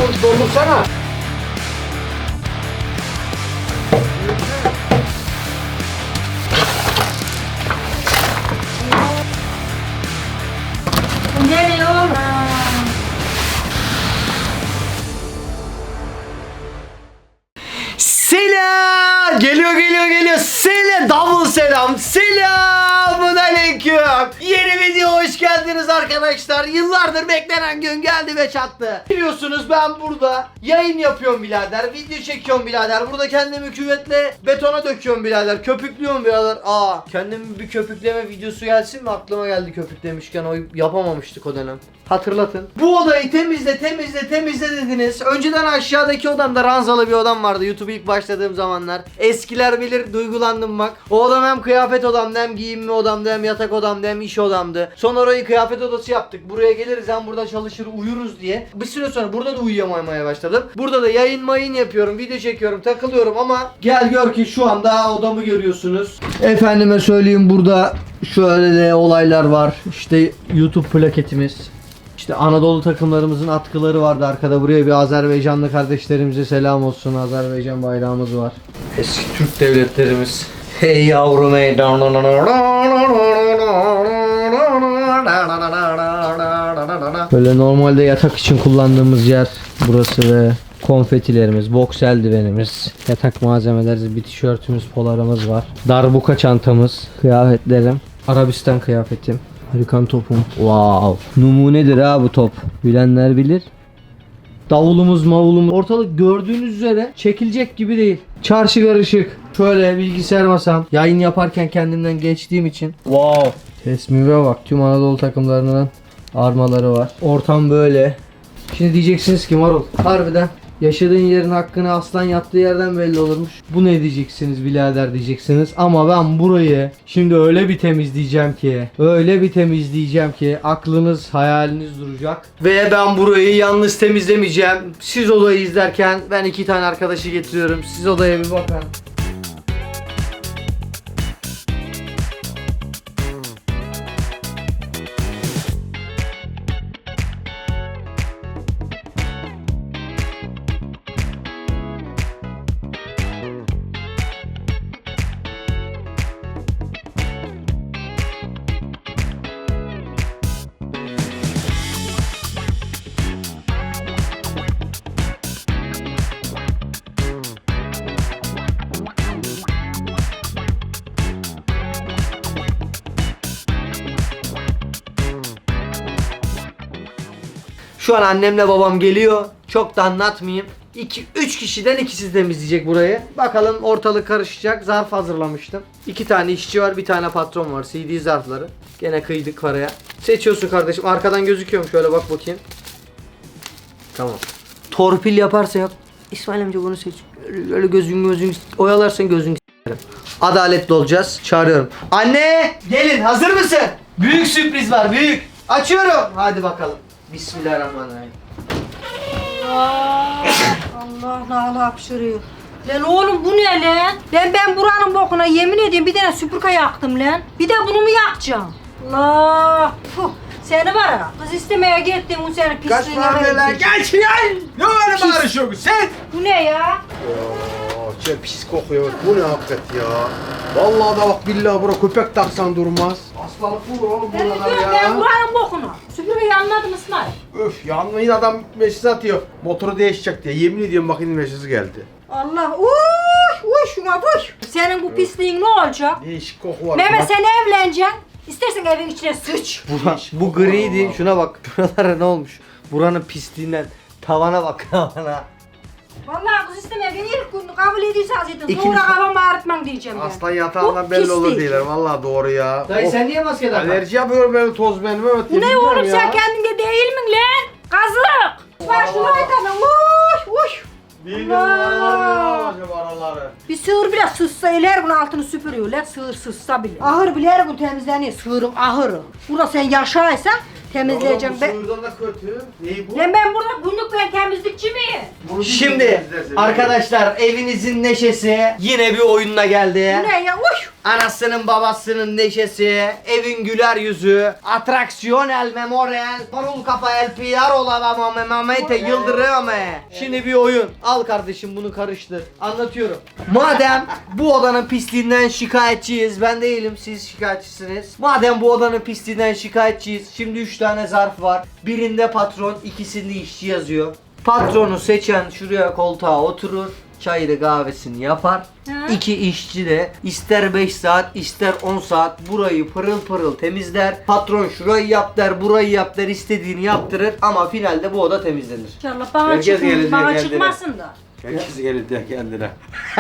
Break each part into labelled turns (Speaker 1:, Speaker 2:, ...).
Speaker 1: doldursana.
Speaker 2: Geliyor.
Speaker 1: Selam! Geliyor. Selam! Double selam! Selamun aleyküm! Yeni video hoş geldiniz arkadaşlar. Yıllardır beklenen gün geldi ve çattı. Biliyorsunuz ben burada yayın yapıyorum birader. Video çekiyorum birader. Burada kendimi küvetle betona döküyorum birader. Köpüklüyorum birader. Kendimi bir köpükleme videosu gelsin mi? Aklıma geldi köpüklemişken. O yapamamıştık o dönem. Hatırlatın. Bu odayı temizle dediniz. Önceden aşağıdaki odamda ranzalı bir odam vardı YouTube ilk başladığım zamanlar. Eskiler bilir, duygulandım bak. O odam hem kıyafet odamdı, hem giyinme odamdı, hem yatak odamdı, hem iş odamdı. Sonra orayı kıyafet odası yaptık. Buraya geliriz, hem burada çalışır uyuruz diye. Bir süre sonra burada da uyuyamamaya başladım. Burada da yayın yapıyorum, video çekiyorum, takılıyorum ama gel gör ki şu anda odamı görüyorsunuz. Efendime söyleyeyim, burada şöyle de olaylar var. İşte YouTube plaketimiz. İşte Anadolu takımlarımızın atkıları vardı arkada. Buraya bir Azerbaycanlı kardeşlerimize selam olsun. Azerbaycan bayrağımız var. Eski Türk devletlerimiz. Hey yavrum hey. Böyle normalde yatak için kullandığımız yer burası ve konfetilerimiz, boks eldivenimiz, yatak malzemeleri, bir tişörtümüz, polarımız var. Darbuka çantamız, kıyafetlerim, Arabistan kıyafetim. Harikan topum. Wow. Numunedir ha bu top. Bilenler bilir. Davulumuz mavulumuz. Ortalık gördüğünüz üzere çekilecek gibi değil. Çarşı karışık. Şöyle bilgisayar masam. Yayın yaparken kendimden geçtiğim için. Wow. Tesmime bak. Tüm Anadolu takımlarının armaları var. Ortam böyle. Şimdi diyeceksiniz ki Marul, harbiden yaşadığın yerin hakkını aslan yattığı yerden belli olurmuş. Bu ne diyeceksiniz birader diyeceksiniz. Ama ben burayı şimdi öyle bir temizleyeceğim ki aklınız hayaliniz duracak. Ve ben burayı yalnız temizlemeyeceğim. Siz odayı izlerken ben 2 tane arkadaşı getiriyorum. Siz odaya bir bakın. Şu an annemle babam geliyor. Çok da anlatmayayım. 3 kişiden ikisi temizleyecek burayı. Bakalım, ortalık karışacak. Zarf hazırlamıştım. 2 tane işçi var, bir tane patron var. CD zarfları. Gene kıydık paraya. Seçiyorsun kardeşim. Arkadan gözüküyor mu? Şöyle bak bakayım. Tamam. Torpil yaparsa yap. İsmail amca bunu seç. Öyle gözün oyalarsan gözün s**erim. Adaletli olacağız. Çağırıyorum. Anne! Gelin. Hazır mısın? Büyük sürpriz var. Büyük. Açıyorum. Hadi bakalım. Bismillahirrahmanirrahim.
Speaker 2: Allah nala hapşırıyor. Lan oğlum bu ne lan? Ben buranın bokuna yemin ediyorum bir tane süpürge yaktım lan. Bir de bunu mu yakacağım? Allah. Puh. Seni var ya, kız istemeye gittim bu senin pisliğine verecek.
Speaker 1: Geç gel. Ne öyle bağırışıyorsun sen?
Speaker 2: Bu ne ya?
Speaker 3: Çok pis kokuyor. Bu ne hakikaten ya? Vallahi da bak billahi bura köpek taksan durmaz. Hastalık vurur oğlum
Speaker 2: Ben
Speaker 3: buradan
Speaker 2: diyorum
Speaker 3: ya.
Speaker 2: ben buranın bokuna. Süpürgeyi anladım İsmail.
Speaker 3: Öf yanmayın, adam mesaj atıyor. Motoru değişecek diye. Yemin ediyorum bak, yine mesajı geldi.
Speaker 2: Allah uy şuna uy. Senin bu pisliğin ne olacak?
Speaker 3: Değişik koku var.
Speaker 2: Mehmet
Speaker 3: Bak,
Speaker 2: sen evleneceksin. İstersen evin içine sıç.
Speaker 1: Bu griydi. Şuna bak. Buralara ne olmuş? Buranın pisliğinden. Tavana bak, tavana.
Speaker 2: Vallahi kız istemeye ben ilk gün kabul ediyse zaten.
Speaker 1: İkinci-
Speaker 2: Sonra kafamı ağrıtmam diyeceğim ben.
Speaker 3: aslan yatağından
Speaker 2: Bu
Speaker 3: belli olur
Speaker 2: pislik.
Speaker 3: diyorlar. Vallahi doğru ya.
Speaker 1: Dayı
Speaker 3: Of,
Speaker 1: sen niye maske takmadın?
Speaker 3: alerji yapıyorum ben, toz benim. Evet,
Speaker 2: Bu ne oğlum sen kendinde değil mi lan? Kazık. Bak şunu aytalım. Uy.
Speaker 3: Bilmiyorum aralar acaba araları.
Speaker 2: Bir sığır bile sızsa her gün altını süpürüyor lan, sığır sızsa bile. Ahır bile her gün temizleniyor, sığırın ahırı. Burada sen yaşaysan temizleyeceğim ben.
Speaker 3: Bu sığırdan da kötü. Neyi bu?
Speaker 2: Lan ben burada günlük ben temizlikçi miyim?
Speaker 3: Bunu
Speaker 1: Şimdi
Speaker 3: temizlersin.
Speaker 1: arkadaşlar evinizin neşesi yine bir oyununa geldi.
Speaker 2: Bu ne ya? Uy.
Speaker 1: Anasının babasının neşesi, evin güler yüzü, atraksiyon el memorial, marul kafa el piyarola ama memamete yıldırıyor. Şimdi bir oyun. Al kardeşim bunu karıştır. Anlatıyorum. Madem bu odanın pisliğinden şikayetçiyiz. Ben değilim, siz şikayetçisiniz. Madem bu odanın pisliğinden şikayetçiyiz. Şimdi 3 tane zarf var. Birinde patron, ikisinde işçi yazıyor. Patronu seçen şuraya koltuğa oturur. Çayını kahvesini yapar.
Speaker 2: Ha?
Speaker 1: 2 işçi de ister 5 saat ister 10 saat burayı pırıl pırıl temizler. Patron şurayı yap der, burayı yap der, istediğini yaptırır ama finalde bu oda temizlenir.
Speaker 2: İnşallah bana,
Speaker 3: Herkes gelir
Speaker 2: bana
Speaker 3: kendine.
Speaker 2: çıkmasın da.
Speaker 3: Herkes gelir diye kendine.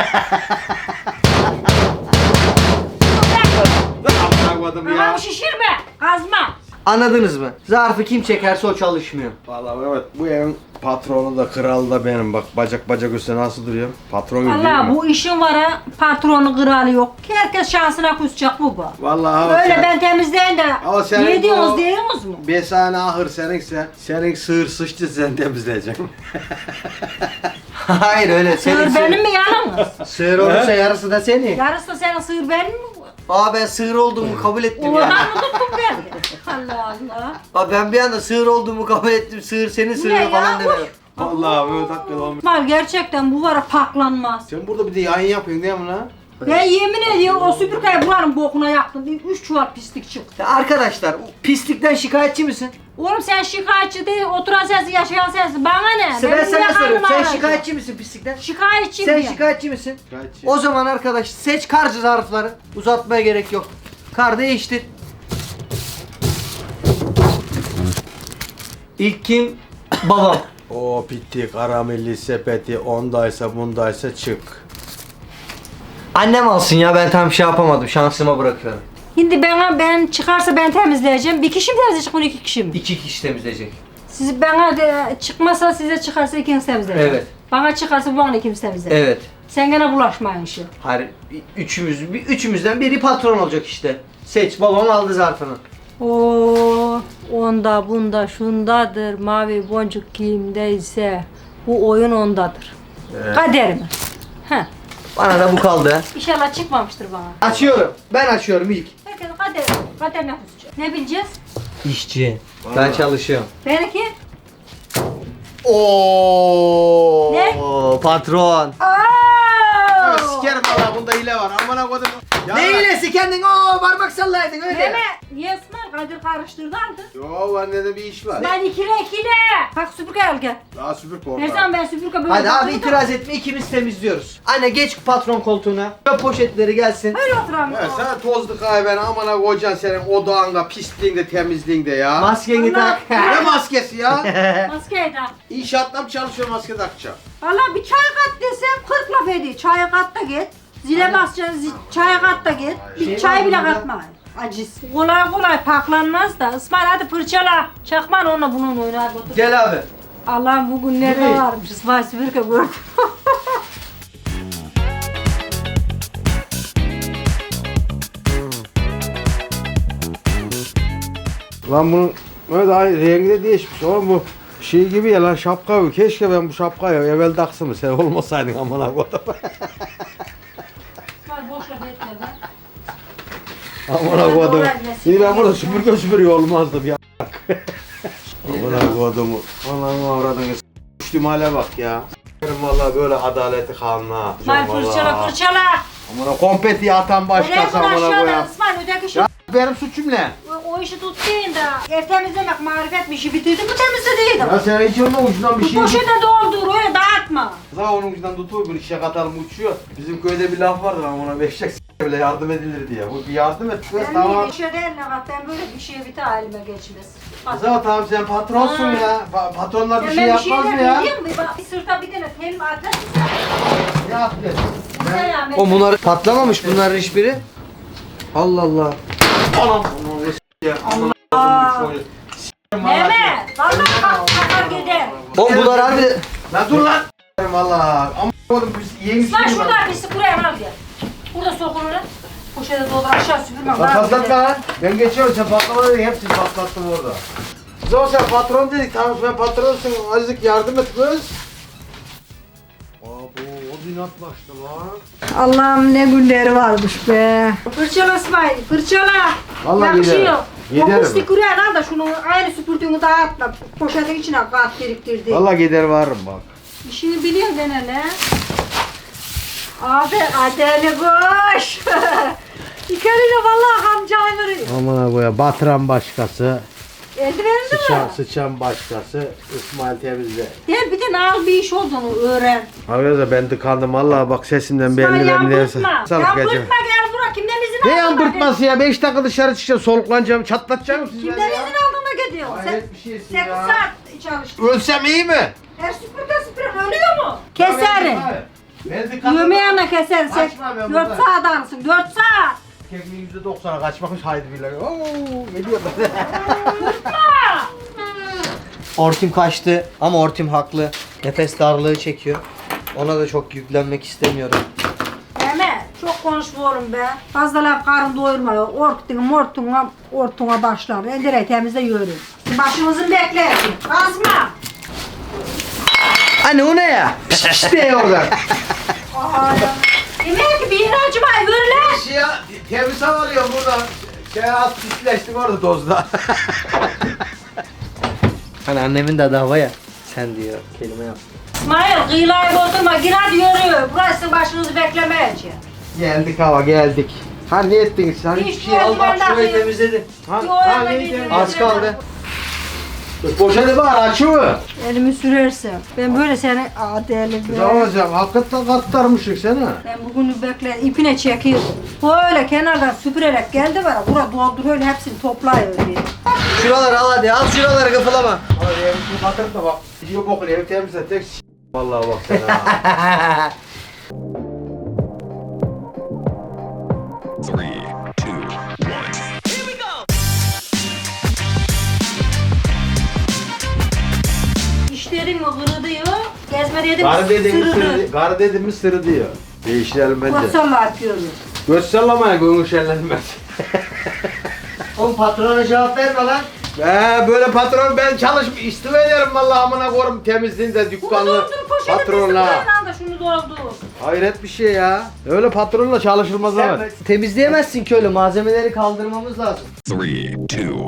Speaker 3: Anlamadım
Speaker 2: Kafamı
Speaker 3: ya.
Speaker 2: şişirme. Kazma.
Speaker 1: Anladınız mı? Zarfı kim çekerse o çalışmıyor.
Speaker 3: Vallahi evet, bu evin patronu da kralı da benim. Bak bacak üstüne nasıl duruyor? Patron gibi değil
Speaker 2: Allah
Speaker 3: mi?
Speaker 2: bu işin var ha. Patronu kralı yok. Herkes şansına kusacak bu.
Speaker 3: Vallahi
Speaker 2: Öyle ben temizleyin de.
Speaker 3: Ama senin
Speaker 2: Ne diyorsunuz
Speaker 3: bu-
Speaker 2: diyorsunuz mu?
Speaker 3: Besane ahır seninse, senin sığır sıçtı sen temizleyeceksin.
Speaker 1: Hayır öyle.
Speaker 2: Sığır benim mi yalnız?
Speaker 1: Sığır olursa yarısı da senin.
Speaker 2: Yarısı da senin sığır benim mi?
Speaker 1: Aa ben sığır olduğumu kabul ettim
Speaker 2: Oradan
Speaker 1: ya.
Speaker 2: mı tuttun beni? Allah Allah.
Speaker 1: Aa ben bir anda sığır olduğumu kabul ettim. Sığır senin
Speaker 2: Ne
Speaker 1: sığırın
Speaker 2: ya?
Speaker 1: falan demiyorum.
Speaker 3: Vallahi böyle dakika olmuş.
Speaker 2: Mal gerçekten bu var ya paklanmaz.
Speaker 3: Sen burada bir de yayın yapıyorsun değil mi lan?
Speaker 2: Ben yemin ediyorum o süpürgeyi buranın bokuna yaktım. 3 çuval pislik çıktı.
Speaker 1: Ya arkadaşlar pislikten şikayetçi misin?
Speaker 2: Oğlum sen şikayetçi değil, oturan sensin, yaşayan sensin. Bana ne?
Speaker 1: Ben
Speaker 2: Benim
Speaker 1: sana
Speaker 2: niye
Speaker 1: soruyorum.
Speaker 2: karnım
Speaker 1: Sen
Speaker 2: ağrıyacak?
Speaker 1: şikayetçi misin pislikten?
Speaker 2: Şikayetçiyim
Speaker 1: Sen
Speaker 2: ya.
Speaker 1: şikayetçi misin?
Speaker 3: Şikayetçi.
Speaker 1: O zaman arkadaş seç kar zarfları. Uzatmaya gerek yok. Kar değiştir. İlk kim? Babam.
Speaker 3: O bitti karamelli sepeti ondaysa bundaysa çık.
Speaker 1: Annem alsın ya ben tam şey yapamadım. Şansıma bırakıyorum.
Speaker 2: Şimdi ben çıkarsa ben temizleyeceğim. Bir kişi mi temizleyecek bunu 2 kişi mi?
Speaker 1: 2 kişi temizleyecek.
Speaker 2: Siz bana de, çıkmasa size çıkarsa ikiniz temizleyecek.
Speaker 1: Evet.
Speaker 2: Bana çıkarsa bana ikimiz temizleyecek.
Speaker 1: Evet.
Speaker 2: Sen gene bulaşmayın işe.
Speaker 1: Hayır üçümüzden biri patron olacak işte. Seç babam aldı zarfını.
Speaker 2: Oo, onda bunda şundadır. Mavi boncuk kimdeyse bu oyun ondadır. Kader mi? Heh.
Speaker 1: Bana da bu kaldı.
Speaker 2: İnşallah çıkmamıştır bana.
Speaker 1: Açıyorum. Ben açıyorum ilk.
Speaker 2: Herkes kader ne kusacak? Ne bileceğiz?
Speaker 1: İşçi. Ben çalışıyorum.
Speaker 2: Benimki?
Speaker 1: Oo.
Speaker 2: Ne?
Speaker 1: Patron.
Speaker 3: Ya sikerim valla bunda hile var. Amına kodum. Ya
Speaker 1: Ne iyilesi kendin parmak sallaydın öyle.
Speaker 2: Deme. Niye İsmail Kadir karıştırdı aldı?
Speaker 3: Yo annede bir iş var.
Speaker 2: Ben ikile. Bak süpürge al gel.
Speaker 3: Daha süpür korkar.
Speaker 2: Her zaman ben süpürge böyle
Speaker 1: Hadi abi
Speaker 2: bakıyordum.
Speaker 1: itiraz etme ikimiz temizliyoruz. Anne geç patron koltuğuna. Çöp poşetleri gelsin.
Speaker 2: Öyle oturan.
Speaker 3: Ya sen tozlu kahven amına kocan senin odağında, pisliğinde, temizliğinde ya.
Speaker 1: Maskeni tak.
Speaker 3: Ne maskesi ya?
Speaker 2: Maskeyi tak.
Speaker 3: İnşaatta mı çalışıyor maske takacağım?
Speaker 2: Valla bir çay kat desem 40 laf ediyor. Çaya kat da git. Zile basacaksın, çaya kat da git. Bir
Speaker 1: Şey
Speaker 2: çay
Speaker 1: var
Speaker 2: bile
Speaker 1: burada.
Speaker 2: katma. Aciz. Kolay paklanmaz da. İsmail hadi fırçala. Çakman onunla bunun oynar.
Speaker 1: Gel abi.
Speaker 2: Allah'ım bugün nerede
Speaker 1: Nereye?
Speaker 2: varmış? İsmail süpürge gördüm.
Speaker 3: Lan bunun böyle daha rengi de değişmiş. Oğlum bu şey gibi ya lan şapka bu. Keşke ben bu şapkayı evvel taksın mı? Sen olmasaydın amına kodum.
Speaker 2: İsmail boş laf etme lan.
Speaker 3: Amına kodum. Şimdi ben burada süpürüyor olmazdım ya. Amına kodum. Ananı avradını s***lüm hale bak ya. S**erim vallahi böyle adaleti kanuna.
Speaker 2: İsmail fırçala.
Speaker 3: Amına kompeti atan başkası
Speaker 2: Öyle
Speaker 3: amına
Speaker 2: aşağıdan
Speaker 3: koyayım.
Speaker 2: İsmail öteki şey.
Speaker 3: Ya benim suçum ne?
Speaker 2: O işi tuttuğun da ev temizlemek marifet bir işi bitirdi bu temizlediydi.
Speaker 3: Ya sen hiç onun ucundan bir
Speaker 2: Bu
Speaker 3: şey
Speaker 2: poşete doldur öyle dağıtma.
Speaker 3: Zaten onun ucundan tutuyor bir işe katalım uçuyor. Bizim köyde bir laf vardır ama ona beşek bile yardım edilir diye. Bu bir yardım et kız
Speaker 2: Ben
Speaker 3: tamam.
Speaker 2: bir işe değil ne bak ben böyle bir şeye bir tane elime geçmez.
Speaker 3: Zaten tamam sen patronsun
Speaker 2: Ha.
Speaker 3: ya. Patronlar bir
Speaker 2: Sen
Speaker 3: şey
Speaker 2: ben
Speaker 3: yapmaz mı
Speaker 2: şeyler
Speaker 3: ya?
Speaker 2: biliyor musun? Bak bir sırta bir tane telim atlas.
Speaker 3: Ne yaptın?
Speaker 1: O bunlar patlamamış bunların hiçbiri. Allah Allah.
Speaker 3: Anam.
Speaker 2: Allah. Mehmet. Vallahi kalkar gider.
Speaker 1: O bunlar harbi de...
Speaker 3: Lan dur lan. Valla. Ama oğlum biz yemiş
Speaker 2: Lan
Speaker 3: değil mi
Speaker 2: şurada birisi buraya al gel. Burada sokulur lan. Poşete doldur aşağı süpürmem.
Speaker 3: Lan patlatma lan. Ben geçiyorum sen patlama dedin hepsini patlattım orada. Zaman sen patron dedik tamam ben patronsun azıcık yardım et kız. Aa bu o inat başladı lan.
Speaker 2: Allah'ım ne günleri varmış be. Fırçala İsmail, fırçala.
Speaker 3: Vallahi
Speaker 2: yakışıyor.
Speaker 3: giderim.
Speaker 2: O pislik kuruyan al da şunu aynı süpürdüğünü dağıtma. Poşetin içine kat biriktirdi.
Speaker 3: Valla gider varım bak.
Speaker 2: İşini biliyorsun gene lan. Abi Adeli koş. İkeriyle vallahi kamcayı veriyor.
Speaker 3: Aman koya batıran başkası,
Speaker 2: Eldivenli mi?
Speaker 3: sıçan başkası, İsmail temizle.
Speaker 2: Gel bir de al bir iş olduğunu öğren.
Speaker 3: Arkadaşlar ben tıkandım valla bak sesimden
Speaker 2: Sen
Speaker 3: belli ben neyse.
Speaker 2: yambırtma. Yambırtma gel bura. Kimden izin
Speaker 3: Ne
Speaker 2: aldın?
Speaker 3: yambırtması ya? 5 dakika dışarı çıkacağım, soluklanacağım, çatlatacağım sizi
Speaker 2: Kimden
Speaker 3: ya.
Speaker 2: izin aldın da gidiyorsun?
Speaker 3: Hayret bir şeysin
Speaker 2: 8
Speaker 3: ya.
Speaker 2: saat çalıştın.
Speaker 3: Ölsem iyi mi?
Speaker 2: Her süpürge ölüyor mu? Keserim.
Speaker 3: Ben tıkandım.
Speaker 2: Yemeğine keser.
Speaker 3: Kaçma ben
Speaker 2: 4
Speaker 3: buradan.
Speaker 2: saat arasın. 4 saat.
Speaker 3: Kekliğin %90'a kaçmakmış haydi billahi. Oo geliyor.
Speaker 1: Ortim kaçtı ama Ortim haklı. Nefes darlığı çekiyor. Ona da çok yüklenmek istemiyorum.
Speaker 2: Mehmet çok konuşma oğlum be. Fazla laf karın doyurma. Ortuna başlar. Eldireyi temizle yürü. Başımızın bekleyin. Kasma.
Speaker 1: Anne o ne ya?
Speaker 3: İşte oradan.
Speaker 2: Aa, yemeğe ki bir yere acımayı yürü lan.
Speaker 3: Şey ya, temiz hava alıyorum buradan. Şey az pisleştim orada tozda.
Speaker 1: Hani annemin de adı hava ya. Sen diyor kelime yap.
Speaker 2: İsmail kıyılayı bozdurma. Gir hadi yürü. Burası başınızı beklemeyecek.
Speaker 3: Geldik hava geldik. Ha ne ettiniz? Hani
Speaker 2: Hiç
Speaker 3: bir şey al bak
Speaker 2: eldiven
Speaker 3: şurayı
Speaker 2: takayım.
Speaker 3: temizledim. Ha,
Speaker 2: Yo,
Speaker 3: ha
Speaker 2: eldiven
Speaker 3: neyi
Speaker 2: takayım.
Speaker 3: temizledin?
Speaker 1: Az kaldı.
Speaker 3: Poşeti var açıyor.
Speaker 2: Elimi sürerse. Ben böyle seni adeli
Speaker 3: Ne olacak? Hakikaten katlarmışık sana.
Speaker 2: Ben bugünü bekle ipine çekiyorum. Böyle kenardan süpürerek geldi var. Bura dolduruyor hepsini toplayıyor diye.
Speaker 1: Şuraları al hadi. Al şuraları kıfılama.
Speaker 3: Hadi evini batırıp da bak. Gidiyor bokunu evi temizle tek vallahi bak sen ha.
Speaker 4: 3, 2, 1.
Speaker 2: İş dedim mi kırılıyor. Gezme dedim
Speaker 3: Garı dedim mi
Speaker 2: sırrı.
Speaker 3: sırı, garı dedim mi sırı diyor. Değiştirelim bence.
Speaker 2: Kotsalla yapıyoruz.
Speaker 3: Göz sallamaya gönül şenlenmez.
Speaker 1: Oğlum patrona cevap verme lan.
Speaker 3: Böyle patron ben çalışıp istifa ederim vallahi amına koyayım temizliğinde
Speaker 2: Bunu
Speaker 3: dükkanlı
Speaker 2: doldur poşete
Speaker 3: patronla.
Speaker 2: da şunu doldur.
Speaker 3: Hayret bir şey ya. Öyle patronla çalışılmaz ama.
Speaker 1: Temizleyemezsin ki öyle. Malzemeleri kaldırmamız lazım.
Speaker 4: 3, 2, 1.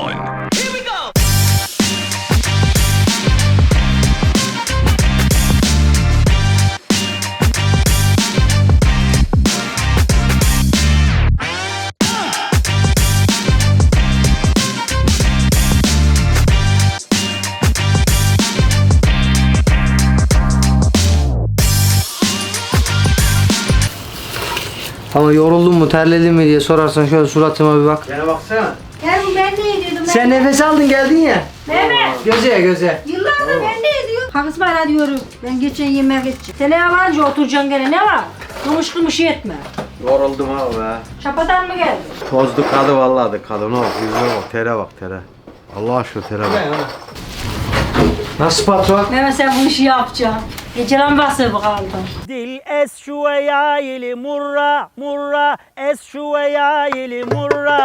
Speaker 1: Ama yoruldun mu, terledin mi diye sorarsan şöyle suratıma bir bak.
Speaker 3: Bana baksana.
Speaker 2: Gel bu ben ne ediyordum?
Speaker 1: Sen nefes aldın geldin ya.
Speaker 2: Mehmet.
Speaker 1: Göze göze.
Speaker 2: Yıllardır ben ne ediyordum? Kalk İsmail hadi yürü. Ben geçen yemeğe geçeceğim. Sen yabancı oturacaksın gene ne var? Kımış kımış etme.
Speaker 3: Yoruldum ha be.
Speaker 2: Çapadan mı geldin?
Speaker 3: Tozlu kadı vallahi de kadına bak yüzüne bak tere bak tere. Allah aşkına tere bak.
Speaker 1: Nasıl patron?
Speaker 2: Mehmet sen bu işi yapacaksın. Gecelen basır bakalım.
Speaker 5: Dil es şuveya ili murra murra es şuveya ili murra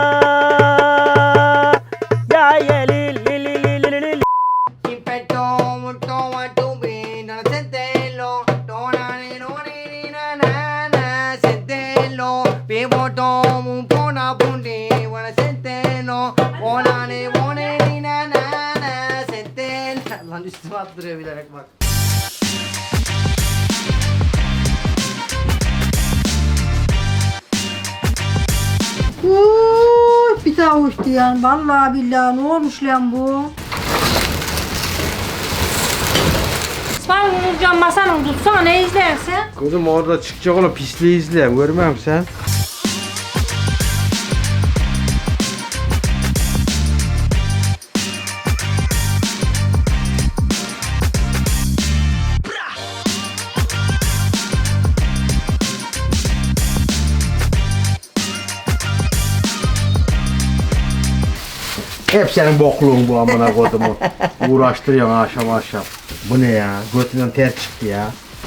Speaker 5: ya yeli li li li li li.
Speaker 1: Lan üstüme attırıyor bilerek bak.
Speaker 2: Bir daha uçtu yani. Vallahi billahi ne olmuş lan bu? İsmail Nurcan masanın tutsana ne izlersen?
Speaker 3: Kızım orada çıkacak olan pisliği izle. Görmüyor musun sen? Hep senin bokluğun bu amına kodumu. Uğraştırıyorsun akşam. Bu ne ya? Götünden ter çıktı ya.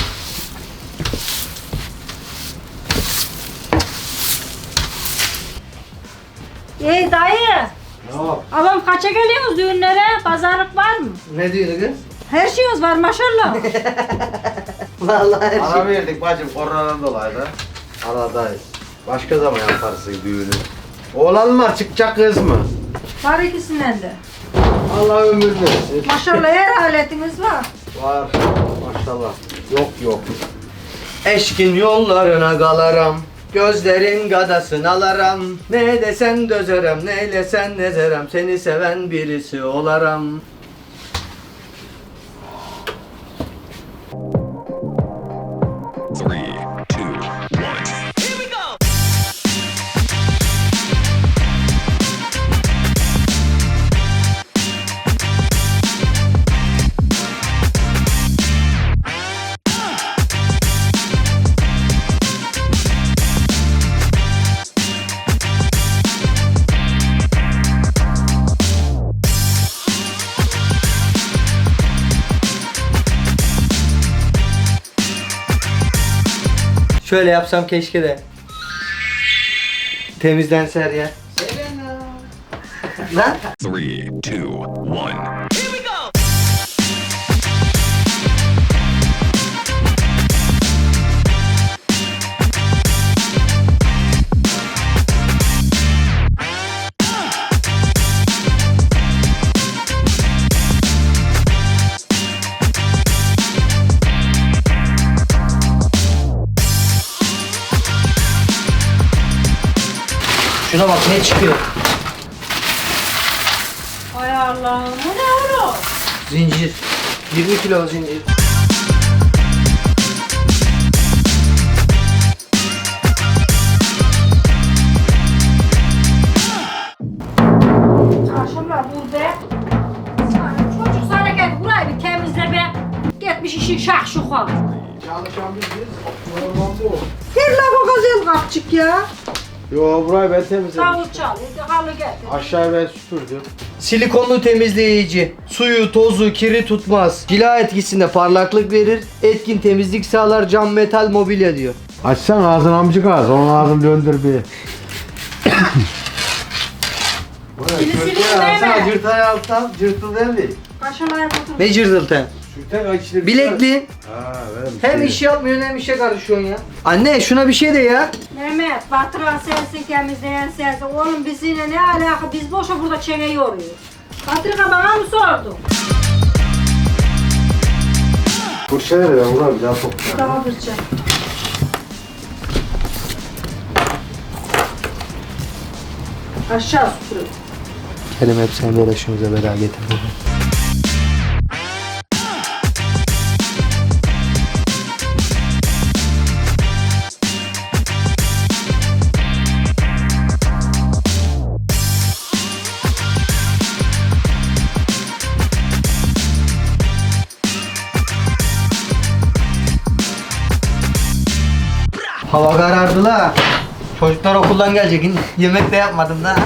Speaker 2: Ey dayı.
Speaker 3: Ne yap?
Speaker 2: Abam kaça geliyoruz düğünlere? Pazarlık var mı?
Speaker 1: Ne diyorsun kız?
Speaker 2: Her şeyimiz var maşallah.
Speaker 1: Vallahi her
Speaker 3: Ara
Speaker 1: şey.
Speaker 3: verdik bacım koronadan dolayı da. Aradayız. Başka zaman yaparsın düğünü. Oğlan mı var çıkacak kız mı?
Speaker 2: Var ikisinden de.
Speaker 3: Allah ömür versin.
Speaker 2: Maşallah her aletiniz var.
Speaker 3: Var. Maşallah. Yok.
Speaker 1: Eşkin yollarına galaram. Gözlerin gadasını alaram. Ne desen dözerem, neylesen nezerem. Seni seven birisi olaram.
Speaker 4: Three, two, one.
Speaker 1: Şöyle yapsam keşke de. Temizlense her yer. Lan.
Speaker 4: Three, two, one.
Speaker 1: Şuna bak ne çıkıyor.
Speaker 2: Ay Allah'ım bu ne oğlum?
Speaker 1: Zincir. 20 kilo zincir.
Speaker 2: Çarşımla dur be. Çocuk hareket burayı bir temizle be. Gitmiş işin şahşuka.
Speaker 3: Çalışan biziz. Normal bu.
Speaker 2: Gel la bu gazel kapçık ya.
Speaker 3: Yo burayı ben temizledim.
Speaker 2: Davul çal, halı getir.
Speaker 3: Aşağıya ben süpürdüm.
Speaker 1: Silikonlu temizleyici. Suyu, tozu, kiri tutmaz. Cila etkisinde parlaklık verir. Etkin temizlik sağlar. Cam, metal, mobilya diyor.
Speaker 3: Açsan ağzını amcık ağız. Onun ağzını döndür bir.
Speaker 2: Sileyim deme.
Speaker 3: Cırtayı alttan cırtıl değil.
Speaker 2: Kaşımayı otur.
Speaker 1: Ne cırıltı?
Speaker 3: Sürten içine
Speaker 1: Bilekli.
Speaker 3: Ha benim.
Speaker 1: Hem iş yapmıyorsun hem işe karışıyorsun ya. Anne şuna bir şey de ya.
Speaker 2: Mehmet, batıran sensin, temizleyen sensin. Oğlum biz yine ne alaka? Biz boşa burada çene yoruyoruz. Batırka bana mı sordun?
Speaker 3: Fırça ver ben buna bir daha sok.
Speaker 2: Tamam Birçe. Aşağı süpürün.
Speaker 1: Kerim hep seninle uğraşıyoruz beraber getirdim. Hava karardı la. Çocuklar okuldan gelecek. Yemek de yapmadım da.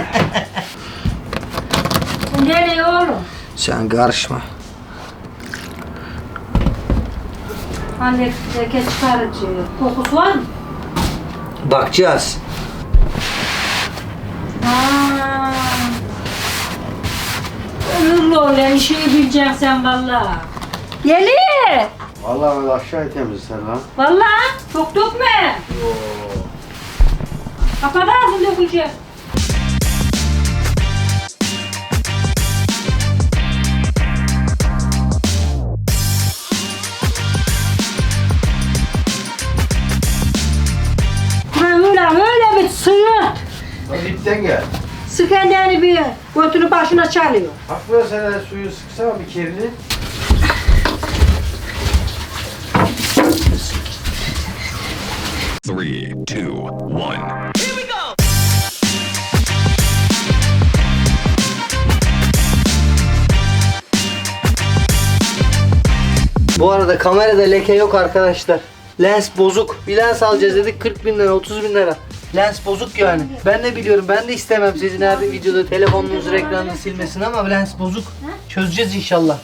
Speaker 2: Nereye oğlum?
Speaker 1: Sen karışma.
Speaker 2: Anne leke çıkarıcı. Kokusu var mı?
Speaker 1: Bakacağız.
Speaker 2: Haa. Ömürlü ol lan, işini bileceksin sen valla. Yeli!
Speaker 3: Vallahi böyle aşağıya temizler lan.
Speaker 2: Valla çok dökme. Kapat ağzını dökülecek. Öyle bir sıyırt.
Speaker 3: Hadi ipten gel.
Speaker 2: Sık kendini bir götünü başına çalıyor.
Speaker 3: Hafif sen de suyu sıksana bir kerini.
Speaker 4: Three, two, one.
Speaker 1: Bu arada kamerada leke yok arkadaşlar. Lens bozuk. Bir lens alacağız dedik 40 bin lira 30 bin lira. Lens bozuk yani. Ben de biliyorum ben de istemem sizin her videoda telefonunuzun ekranını silmesini ama lens bozuk. Çözeceğiz inşallah.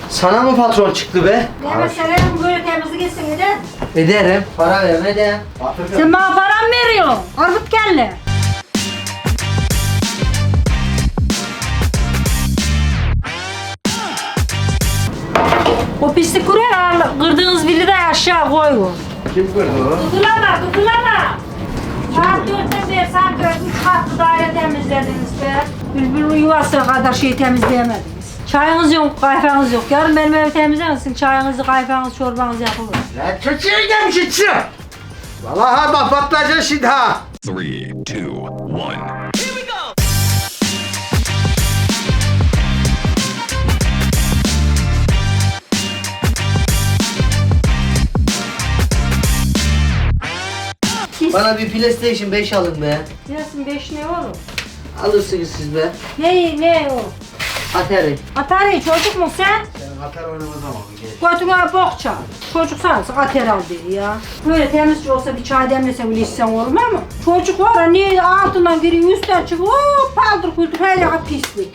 Speaker 1: Sana mı patron çıktı be?
Speaker 2: Ne mesela bu böyle temizlik etsin eder.
Speaker 1: Ederim. Para ver ne de.
Speaker 2: Sen bana param veriyorsun. Armut kelle. O pislik kuruyor, kırdığınız villayı aşağı koyun.
Speaker 3: Kim kırdı o?
Speaker 2: Gıdılama. Saat 4'ten beri saat 4, 3 katlı daire temizlediniz be. Bülbül yuvasına kadar şey temizleyemediniz. Çayınız yok, kahveniz yok. Yarın benim evi temizlemesin. Çayınızı, kahvenizi, çorbanızı yapılır.
Speaker 1: Lan çocuğa gelmiş içi. Vallahi bak patlayacaksın şimdi ha.
Speaker 4: 3, 2, 1.
Speaker 1: Bana bir PlayStation 5 alın be.
Speaker 2: Gelsin 5 ne oğlum?
Speaker 1: Alırsınız siz be.
Speaker 2: Ne o?
Speaker 1: Atari.
Speaker 2: Atari çocuk mu sen?
Speaker 3: Sen atar oynamaz ama.
Speaker 2: Götüne bok çal. Çocuk sanırsın Atari al diye ya. Böyle temizci olsa bir çay demlesen bile içsen olmaz mı? Çocuk var ya niye altından giriyor üstten çıkıyor. Paldır kuldur her yaka pislik.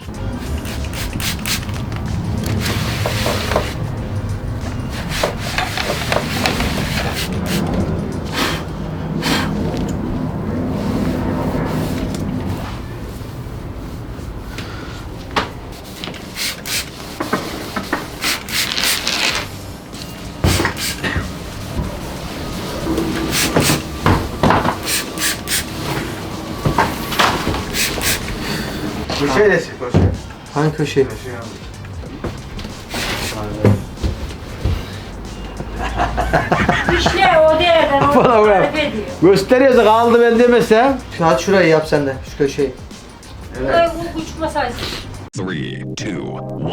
Speaker 3: Köşe desin köşe.
Speaker 1: Hangi köşe?
Speaker 2: İşte o değerden o
Speaker 1: Bana bırak.
Speaker 2: tarif ediyor.
Speaker 1: Gösteriyorsa kaldı ben demesem. Hadi şurayı yap sen de şu köşeyi.
Speaker 2: Burayı bu uçmasaydın.
Speaker 4: 3, 2, 1.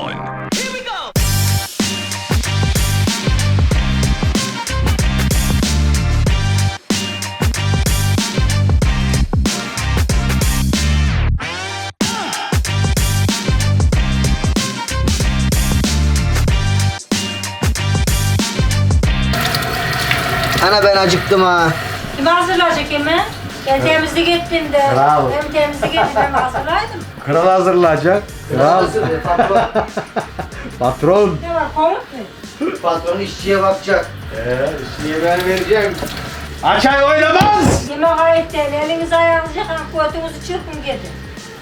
Speaker 1: Ana ben acıktım ha.
Speaker 2: Kim hazırlayacak hemen? Ben temizlik ettim de.
Speaker 3: Bravo.
Speaker 2: Ben temizlik ettim ben hazırlaydım.
Speaker 3: Kral hazırlayacak. Kral.
Speaker 1: Patron.
Speaker 3: Patron.
Speaker 2: Ne var komut mu?
Speaker 1: Patron işçiye bakacak.
Speaker 3: İşini ben vereceğim. Açay oynamaz.
Speaker 2: Yemek ayıp değil. Elinizi ayağınızı yıkan götünüzü çırpın gidin.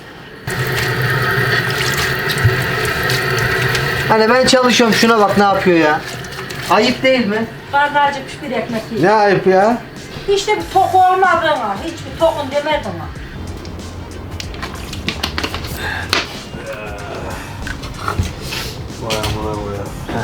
Speaker 1: Hani ben çalışıyorum şuna bak ne yapıyor ya. Ayıp değil mi?
Speaker 2: Karnı acıkmış bir ekmek yiyin.
Speaker 3: Ne ayıp ya?
Speaker 2: Hiç de bir tok olmadığına, hiçbir tokun demedin ha.
Speaker 3: Vay amına koyayım.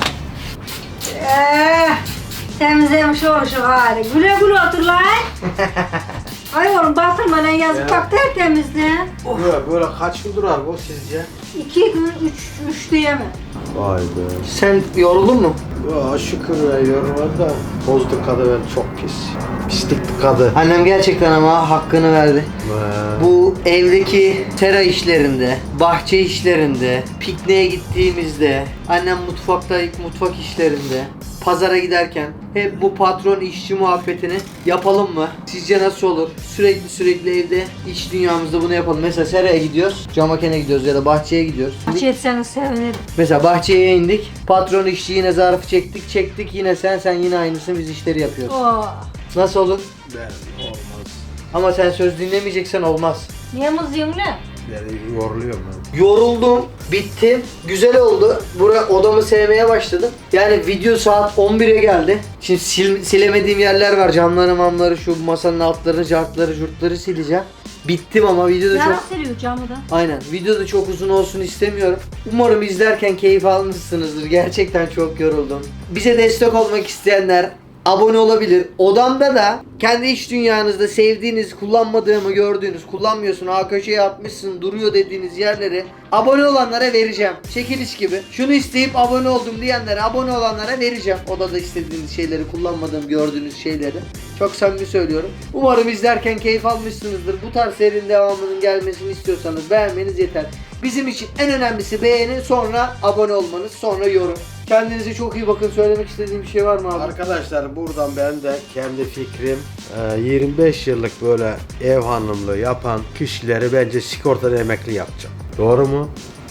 Speaker 2: Temizlemiş oluşu hali. Güle güle otur lan. Ay oğlum batırma lan yazık bak tertemizle.
Speaker 3: Böyle kaç gün durar bu sizce?
Speaker 2: 2 gün, 3 diyemem.
Speaker 3: Vay be.
Speaker 1: Sen yoruldun mu?
Speaker 3: Ya şükür ya yorulmadı da bozdu kadı ben çok pis. Pislik kadı.
Speaker 1: Annem gerçekten ama hakkını verdi. Bu evdeki tera işlerinde, bahçe işlerinde, pikniğe gittiğimizde, annem mutfak işlerinde, pazara giderken hep bu patron işçi muhabbetini yapalım mı? Sizce nasıl olur? Sürekli evde iç dünyamızda bunu yapalım. Mesela seraya gidiyoruz, camakene gidiyoruz ya da bahçeye gidiyoruz.
Speaker 2: Hiç etseniz sevinirim.
Speaker 1: Mesela bahçeye indik, patron işçi yine zarfı çektik yine sen yine aynısını biz işleri yapıyoruz.
Speaker 2: Oh.
Speaker 1: Nasıl olur?
Speaker 3: Ben olmaz.
Speaker 1: Ama sen söz dinlemeyeceksen olmaz.
Speaker 2: Niye mızıyım lan?
Speaker 3: Yani yoruluyorum ben.
Speaker 1: Yoruldum, bittim, güzel oldu. Odamı sevmeye başladım. Yani video saat 11'e geldi. Şimdi silemediğim yerler var. Camları, mamları, şu masanın altlarını, cartları, jurtları sileceğim. Bittim ama videoda
Speaker 2: Yarak
Speaker 1: çok...
Speaker 2: seriyor camı da.
Speaker 1: Aynen. Videoda çok uzun olsun istemiyorum. Umarım izlerken keyif almışsınızdır. Gerçekten çok yoruldum. Bize destek olmak isteyenler abone olabilir. Odamda da kendi iç dünyanızda sevdiğiniz, kullanmadığımı gördüğünüz, kullanmıyorsun, köşeye atmışsın, duruyor dediğiniz yerleri abone olanlara vereceğim. Çekiliş gibi. Şunu isteyip abone oldum diyenlere, abone olanlara vereceğim. Odada istediğiniz şeyleri, kullanmadığım, gördüğünüz şeyleri. Çok samimi söylüyorum. Umarım izlerken keyif almışsınızdır. Bu tarz serinin devamının gelmesini istiyorsanız beğenmeniz yeter. Bizim için en önemlisi beğeni, sonra abone olmanız, sonra yorum. Kendinize çok iyi bakın. Söylemek istediğim bir şey var mı abi?
Speaker 3: Arkadaşlar buradan ben de kendi fikrim 25 yıllık böyle ev hanımlığı yapan kişileri bence sigortadan emekli yapacağım. Doğru mu?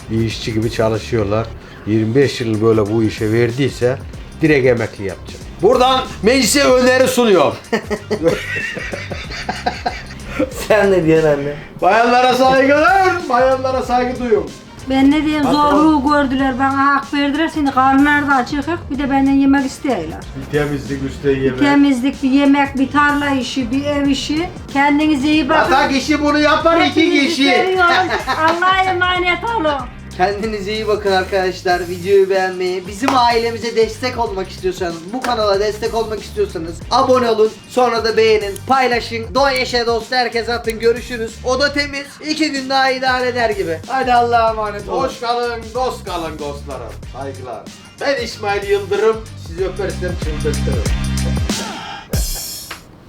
Speaker 3: bir işçi gibi çalışıyorlar. 25 yıl böyle bu işe verdiyse direkt emekli yapacak. Buradan meclise öneri sunuyorum.
Speaker 1: Sen ne diyorsun anne?
Speaker 3: Bayanlara saygılar, bayanlara saygı duyuyorum.
Speaker 2: Ben ne diyeyim
Speaker 3: Patron.
Speaker 2: zorluğu gördüler bana hak verdiler seni karnları da açık bir de benden yemek istiyorlar.
Speaker 3: Bir temizlik üstte yemek.
Speaker 2: Temizlik, bir yemek, bir tarla işi, bir ev işi. Kendinize iyi bakın.
Speaker 3: Ata kişi bunu yapar, iki
Speaker 2: Hepinizi
Speaker 3: kişi.
Speaker 2: seviyorum. Allah'a emanet olun.
Speaker 1: Kendinize iyi bakın arkadaşlar. Videoyu beğenmeyi, bizim ailemize destek olmak istiyorsanız, bu kanala destek olmak istiyorsanız abone olun. Sonra da beğenin, paylaşın. Doğa yaşa dost herkes atın. Görüşürüz. O da temiz. 2 gün daha idare eder gibi. Hadi Allah'a emanet olun.
Speaker 3: Hoş kalın, dost kalın dostlarım. Saygılar. Ben İsmail Yıldırım. Sizi öpersem çıldırtırım.